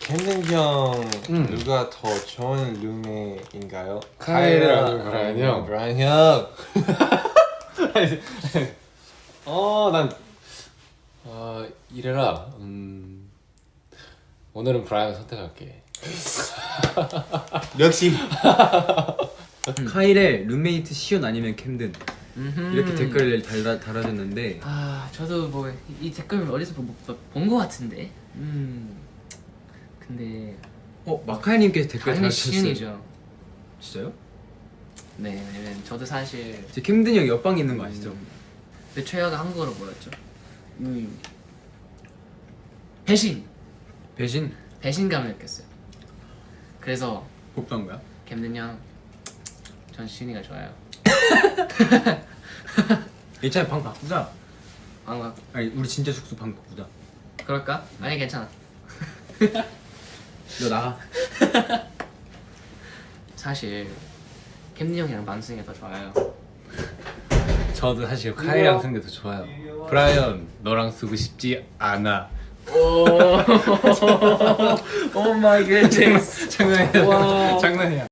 캠든 형 누가 더 좋은 룸메인가요? 카일이랑 브라이언 형. 브라이언 형. 이래라. 오늘은 브라이언 선택할게. 역시. 카일의 룸메이트 시온 아니면 캠든 이렇게 댓글을 달아줬는데 저도 뭐 이 댓글 어디서 본 거 같은데. 근데 마카이님께서 댓글 당연히 달아주셨어요. 시윤이죠. 진짜요? 네, 저도 사실 제 캠든 형 옆방에 있는 거 아시죠? 내 최애가 한국어로 뭐였죠? 배신. 배신감을 느꼈어요. 그래서 복수한 거야? 캠든 형, 전 시윤이가 좋아요. 괜찮아, 방 바꾸자. 안 아니 우리 진짜 숙소 방 바꾸자. 그럴까? 아니 괜찮아. 너 나가. 사실 캠든 형이랑 만승이가 더 좋아요. 저도 사실 카일이랑 쓰는 게 더 좋아요. 브라이언 너랑 쓰고 싶지 않아. 오 마이 갓. 장난이야. 장난이야.